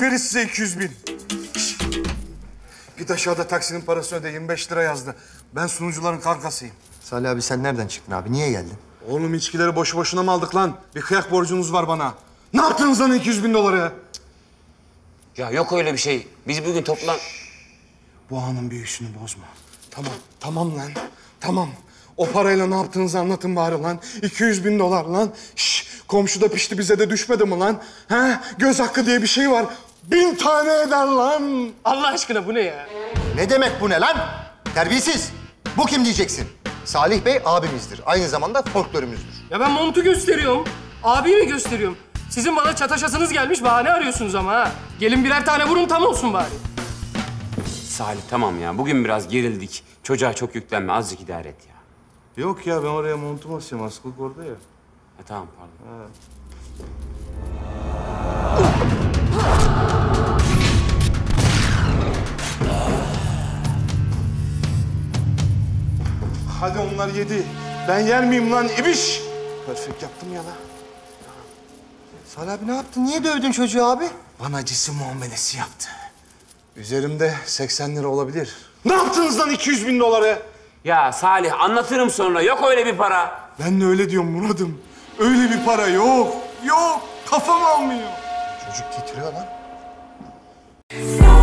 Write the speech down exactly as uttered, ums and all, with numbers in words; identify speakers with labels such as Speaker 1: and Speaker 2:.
Speaker 1: Veririz size iki yüz bin. Şişt. Git aşağıda taksinin parasını öde. yirmi beş lira yazdı. Ben sunucuların kankasıyım.
Speaker 2: Salih abi sen nereden çıktın abi? Niye geldin?
Speaker 1: Oğlum içkileri boşu boşuna mı aldık lan? Bir kıyak borcunuz var bana. Ne yaptınız lan iki yüz bin doları?
Speaker 3: Ya yok öyle bir şey. Biz bugün toplan...
Speaker 1: Bu anın büyüsünü bozma. Tamam, tamam lan. Tamam. O parayla ne yaptığınızı anlatın bari lan. iki yüz bin dolar lan. Şş, komşu da pişti bize de düşmedi mi lan? He? Göz hakkı diye bir şey var. Bin tane eder lan.
Speaker 4: Allah aşkına bu ne ya?
Speaker 2: Ne demek bu ne lan? Terbiyesiz. Bu kim diyeceksin? Salih Bey abimizdir. Aynı zamanda folklorumuzdur.
Speaker 4: Ya ben montu gösteriyorum. Abiyi mi gösteriyorum? Sizin bana çataşasınız gelmiş, bahane arıyorsunuz ama ha. Gelin birer tane vurun, tam olsun bari.
Speaker 3: Salih tamam ya. Bugün biraz gerildik. Çocuğa çok yüklenme. Azıcık idare et ya.
Speaker 1: Yok ya ben oraya montum asıyorum. Askılık orada ya.
Speaker 3: Ha, tamam pardon. Ha.
Speaker 1: Hadi onlar yedi. Ben yer miyim lan ibiş? Perfect yaptım ya lan.
Speaker 2: Salih abi ne yaptın? Niye dövdün çocuğu abi?
Speaker 1: Bana cisim muamelesi yaptı. Üzerimde seksen lira olabilir. Ne yaptınız lan iki yüz bin doları?
Speaker 3: Ya Salih anlatırım sonra. Yok öyle bir para.
Speaker 1: Ben de öyle diyorum Murat'ım. Öyle bir para yok. Yok. Kafam almıyor.
Speaker 2: Çocuk titriyor lan.